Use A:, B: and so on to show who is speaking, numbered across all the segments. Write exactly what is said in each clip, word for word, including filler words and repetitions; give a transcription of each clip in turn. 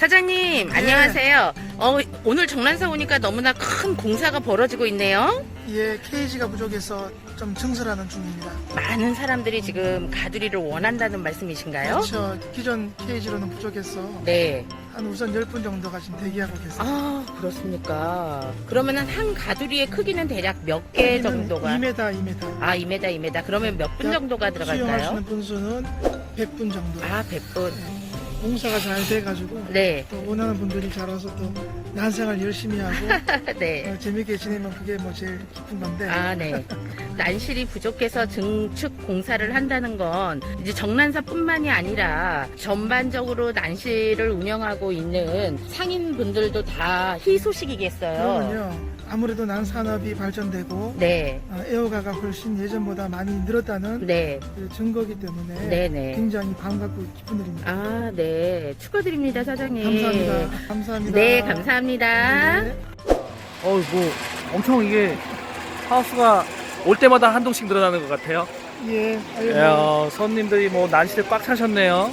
A: 사장님,
B: 예.
A: 안녕하세요. 어, 오늘 정란사 오니까 너무나 큰 공사가 벌어지고 있네요.
B: 예, 케이지가 부족해서 좀 증설하는 중입니다.
A: 많은 사람들이 지금 가두리를 원한다는 말씀이신가요?
B: 그렇죠. 기존 케이지로는 부족해서
A: 네.
B: 한 우선 열 분 정도가 지금 대기하고 계세요.
A: 아, 그렇습니까? 그러면은 한 가두리의 크기는 대략 몇 개 정도가?
B: 이 미터, 이 미터.
A: 아, 이 미터, 이 미터. 그러면 몇 분 정도가
B: 수용할 수
A: 들어갈까요?
B: 있는 분수는 백 분 정도.
A: 아, 백 분.
B: 공사가 잘 돼가지고
A: 네.
B: 또 원하는 분들이 잘 와서 또 난생활 열심히 하고
A: 네.
B: 어, 재밌게 지내면 그게 뭐 제일 기쁜 건데.
A: 아, 네. 난실이 부족해서 증축 공사를 한다는 건 이제 정란사뿐만이 아니라 전반적으로 난실을 운영하고 있는 상인분들도 다 희소식이겠어요.
B: 그러면요. 아무래도 난 산업이 발전되고
A: 네.
B: 어, 애호가가 훨씬 예전보다 많이 늘었다는
A: 네.
B: 그 증거기 때문에
A: 네네.
B: 굉장히 반갑고 기쁜 일입니다.
A: 아, 네. 축하드립니다, 사장님.
B: 감사합니다. 감사합니다.
A: 네, 감사합니다.
B: 네.
C: 어, 뭐 엄청 이게 하우스가 올 때마다 한 동씩 늘어나는 것 같아요.
B: 예, 아유,
C: 예, 어, 손님들이 뭐 난시대 꽉 차셨네요.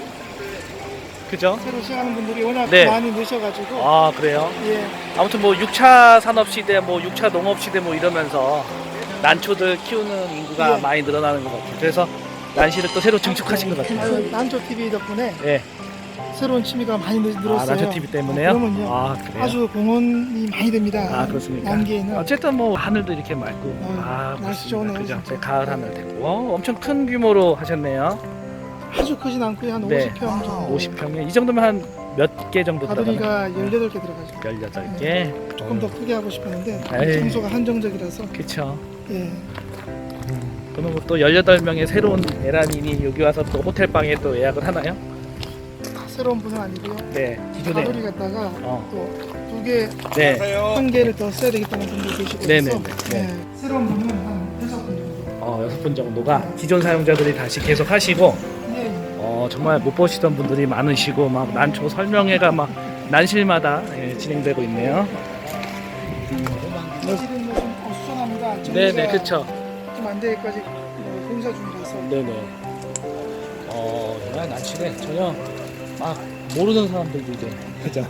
C: 그죠?
B: 새로 시작하는 분들이 워낙
C: 네.
B: 많이 넣으셔가지고
C: 아, 그래요?
B: 예,
C: 아무튼 뭐 육 차 산업 시대, 뭐 육 차 농업 시대 뭐 이러면서 난초들 키우는 인구가
B: 예.
C: 많이 늘어나는 것 같아요. 그래서 난시를 또 새로 증축하신 것 같아요.
B: 아유, 난초 티비 덕분에
C: 예.
B: 새로운 취미가 많이 늘- 늘었어요.
C: 아, 난초 티비 때문에요?
B: 어, 그러면요.
C: 아, 그래요?
B: 아주 공헌이 많이 됩니다.
C: 아, 그렇습니까?
B: 남기에는
C: 어쨌든 뭐 하늘도 이렇게 맑고
B: 어,
C: 아,
B: 날씨
C: 그렇습니다.
B: 좋네요,
C: 그죠?
B: 진짜.
C: 네, 가을 하늘 됐고 어, 엄청 큰 규모로 하셨네요.
B: 아주 크진 않고요. 한
C: 네.
B: 오십 평 정도.
C: 오십 평에 이 정도면 한 몇 개 정도 들어가나요?
B: 가두리가 열여덟 개 들어가죠.
C: 열여덟 개.
B: 조금 더 크게 하고 싶었는데
C: 에이.
B: 장소가 한정적이라서
C: 그쵸.
B: 예.
C: 그러면 뭐또 열여덟 명의 새로운 에란인이 여기 와서 또 호텔방에 또 예약을 하나요?
B: 새로운 분은 아니고요.
C: 네. 기존에.
B: 가두리 갔다가
C: 어.
B: 또 두 개,
C: 네.
B: 한 개를 더 써야 되겠다는 분도 계시고
C: 네네네.
B: 해서
C: 네.
B: 네. 새로운 분은 한 여섯 분 정도.
C: 어, 여섯 분 정도가 기존 사용자들이 다시 계속 하시고
B: 예, 예.
C: 어, 정말 못 보시던 분들이 많으시고 막 난초 설명회가 막 난실마다 예, 진행되고 있네요.
B: 사실은 뭐좀 어수선합니다.
C: 네네, 그쵸.
B: 좀안 되기까지 뭐 공사 중이라서.
C: 네네. 어, 정말 난실에 전혀 막 모르는 사람들도 이제 그죠.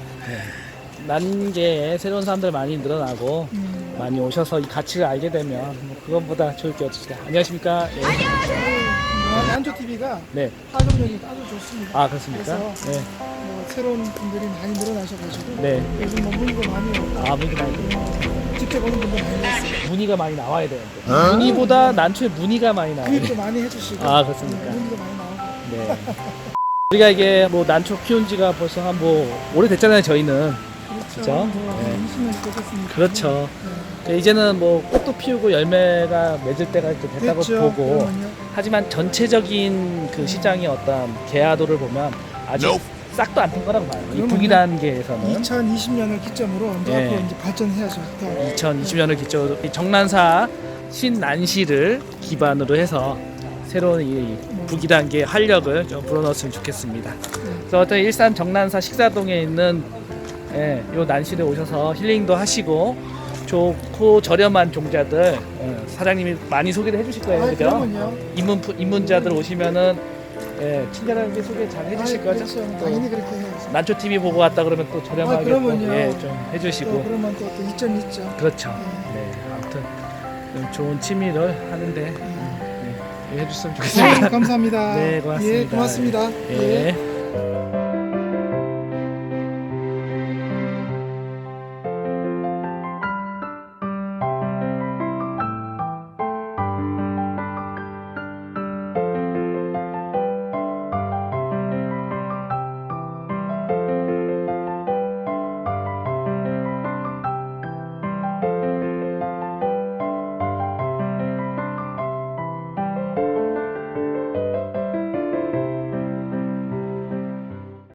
C: 난게 새로운 사람들 많이 늘어나고
B: 음.
C: 많이 오셔서 이 가치를 알게 되면 뭐 그것보다 좋을 게 없습니다. 안녕하십니까? 예.
B: 난조 티비가
C: 네.
B: 활동력이 아주 좋습니다.
C: 아, 그렇습니까?
B: 그래서
C: 네.
B: 뭐 새로운 분들이 많이 늘어나셔가지고
C: 네.
B: 요즘 뭐 문의도 많이 오고
C: 아, 문의가 많이 들어요.
B: 직접 오는 분도 많이 왔어요.
C: 문의가 많이 나와야 되는데. 문의보다 난초에 문의가 많이 나와요.
B: 구입도 많이 해주시고
C: 아, 그렇습니까?
B: 네, 문의도 많이 나오고
C: 네. 우리가 이게 뭐 난초 키운 지가 벌써 한 뭐 오래됐잖아요, 저희는.
B: 그렇죠.
C: 그죠?
B: 뭐
C: 네.
B: 이십 년이 되셨으니까
C: 그렇죠.
B: 네.
C: 이제는 뭐 꽃도 피우고 열매가 맺을 때가 이제 됐다고
B: 됐죠.
C: 보고
B: 그러면요.
C: 하지만 전체적인 그 시장의 어떤 개화도를 보면 아직 싹도 안 튼 거라고 봐요. 이
B: 그러면요.
C: 부기 단계에서는
B: 이천이십 년을 기점으로 이제
C: 네.
B: 앞으로 이제 발전해야죠. 또.
C: 이천이십 년을 기초로 이 정난사 신난시를 기반으로 해서 새로운 이 부기 단계의 활력을 좀 불어넣었으면 좋겠습니다. 그래서 어떤 일산 정난사 식사동에 있는 예, 요 난실에 오셔서 힐링도 하시고 좋고 저렴한 종자들 예, 사장님이 많이 소개를 해주실 거예요,
B: 아,
C: 그죠?
B: 그러면요.
C: 입문 입문자들 오시면은 예, 친절하게 소개 잘 해주실
B: 아,
C: 거죠?
B: 그렇죠.
C: 또
B: 당연히 그렇게 해야죠.
C: 난초 티비 보고 왔다 그러면 또 저렴하게
B: 아, 그러면요.
C: 또, 예, 좀
B: 또
C: 해주시고
B: 그러면 또, 또 이점이 있죠.
C: 그렇죠.
B: 네.
C: 네, 아무튼 좀 좋은 취미를 하는데
B: 네.
C: 네, 해주셨으면 좋겠습니다.
B: 감사합니다.
C: 네, 고맙습니다.
B: 예, 고맙습니다.
C: 예.
B: 예.